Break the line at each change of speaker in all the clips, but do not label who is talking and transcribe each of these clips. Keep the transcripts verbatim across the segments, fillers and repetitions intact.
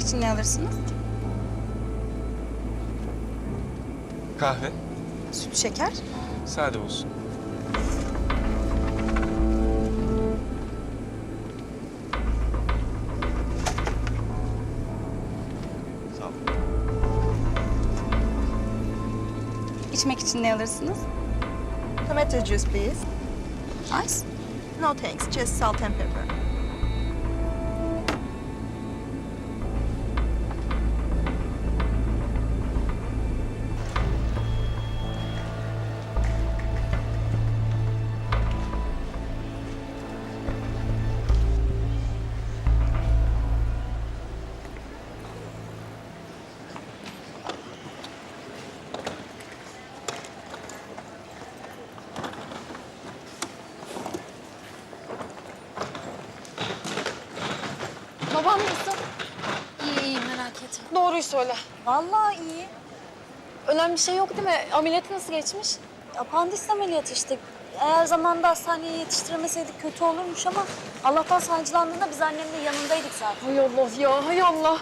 için ne alırsınız?
Kahve.
Süt, şeker.
Sade olsun.
Sağ ol.
İçmek için ne alırsınız?
Tomato juice, please.
Ice.
No thanks, just salt and pepper.
Babam nasıl?
İyi iyi merak etme.
Doğruyu söyle.
Vallahi iyi.
Önemli bir şey yok değil mi? Ameliyatı nasıl geçmiş?
Apandis ameliyatı işte. Eğer zamanında hastaneye yetiştiremeseydik kötü olurmuş ama Allah'tan sancılandığında biz annemle yanındaydık zaten.
Hay Allah ya, hay Allah.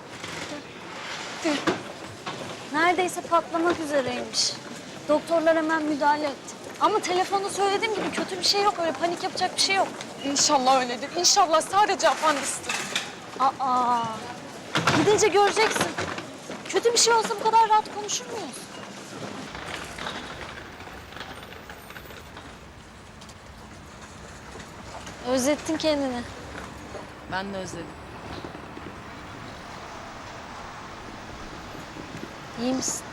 Neredeyse patlamak üzereymiş. Doktorlar hemen müdahale etti. Ama telefonda söylediğim gibi kötü bir şey yok. Öyle panik yapacak bir şey yok.
İnşallah öyledir. İnşallah sadece apandistir.
Aa, gidince göreceksin. Kötü bir şey olsa bu kadar rahat konuşur muyuz? Özlettin kendini.
Ben de özledim.
İyi misin?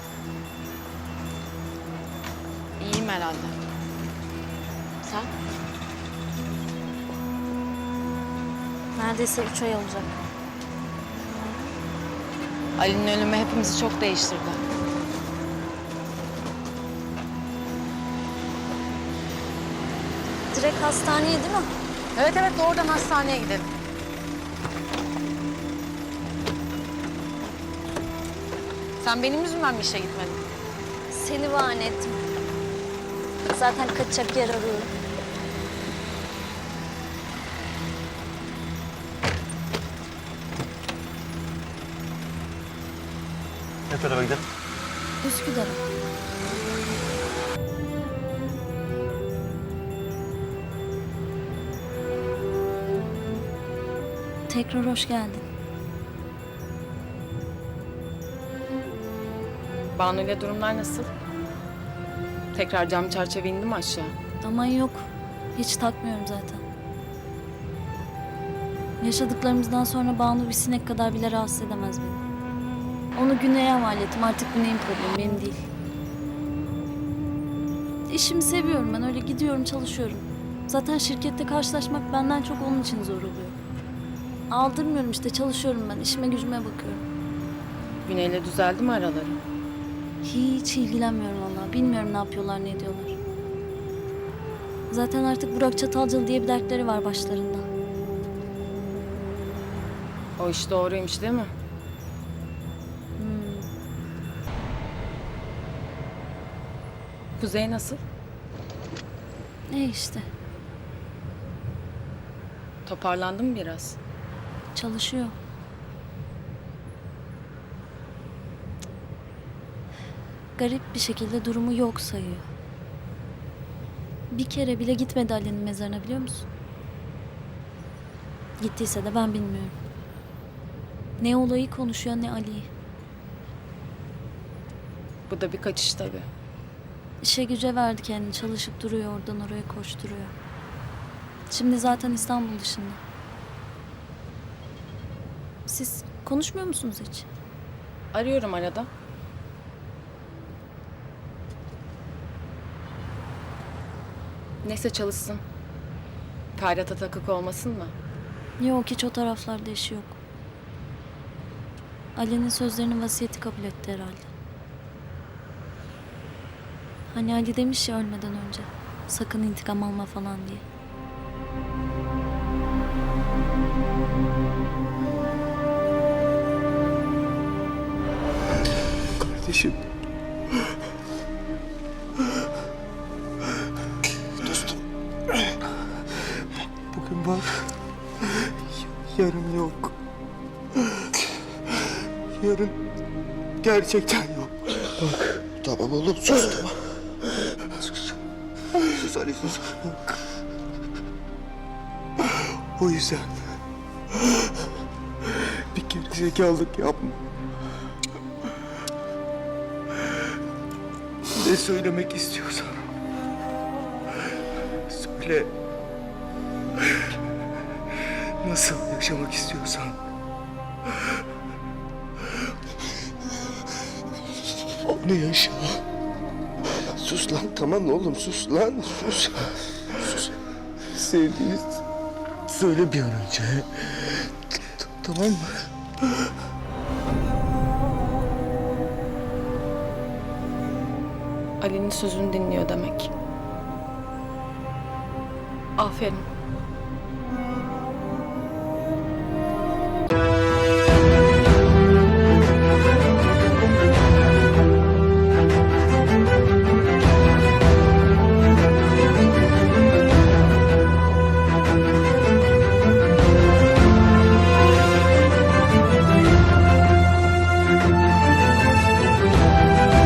İyiyim herhalde. Sen?
Neredeyse üç ay olacak.
Ali'nin ölümü hepimizi çok değiştirdi.
Direkt hastaneye değil mi?
Evet evet doğrudan hastaneye gidelim. Sen benim yüzümden mi işe gitmedin?
Seni bahane ettim. Zaten kaçacak yer arıyorum.
Ne tarafa gidelim?
Üsküdar'a. Tekrar hoş geldin.
Banu ile durumlar nasıl? Tekrar cam çerçeve indi mi aşağı?
Aman yok. Hiç takmıyorum zaten. Yaşadıklarımızdan sonra Banu bir sinek kadar bile rahatsız edemez beni. Onu Güney'e havale ettim. Artık Güney'in problemi, benim değil. İşimi seviyorum ben. Öyle gidiyorum, çalışıyorum. Zaten şirkette karşılaşmak benden çok onun için zor oluyor. Aldırmıyorum işte, çalışıyorum ben. İşime gücüme bakıyorum.
Güney'le düzeldi mi araları?
Hiç ilgilenmiyorum vallahi. Bilmiyorum ne yapıyorlar, ne ediyorlar. Zaten artık Burak Çatalcalı diye bir dertleri var başlarında.
O iş doğruymuş değil mi?
Hmm.
Kuzey nasıl?
Ne işte,
Toparlandı mı biraz?
çalışıyor. Garip bir şekilde durumu yok sayıyor. Bir kere bile gitmedi Ali'nin mezarına, biliyor musun? Gittiyse de ben bilmiyorum. Ne olayı konuşuyor ne Ali'yi.
Bu da bir kaçış tabii.
İşe güce verdi kendini, çalışıp duruyor, oradan oraya koşturuyor. Şimdi zaten İstanbul dışında. Siz konuşmuyor musunuz hiç?
Arıyorum arada. Neyse çalışsın. Ferhat'a takık olmasın mı?
Yok, hiç o taraflarda işi yok. Ali'nin sözlerini, vasiyeti kabul etti herhalde. Hani Ali demiş ya ölmeden önce, sakın intikam alma falan diye.
Kardeşim.
Dostum. Bugün var. Yarın yok. yarın gerçekten yok. Bak. Tamam oğlum sus tamam. Sus. Sus Ali sus. O yüzden bir kere zekalılık yapma. Ne söylemek istiyorsan söyle. Nasıl yaşamak istiyorsan onu yaşa. Sus lan tamam oğlum sus lan sus. Sus. Sevdiğini söyle bir an önce. T- Tamam mı?
Ali'nin sözünü dinliyor demek. Aferin.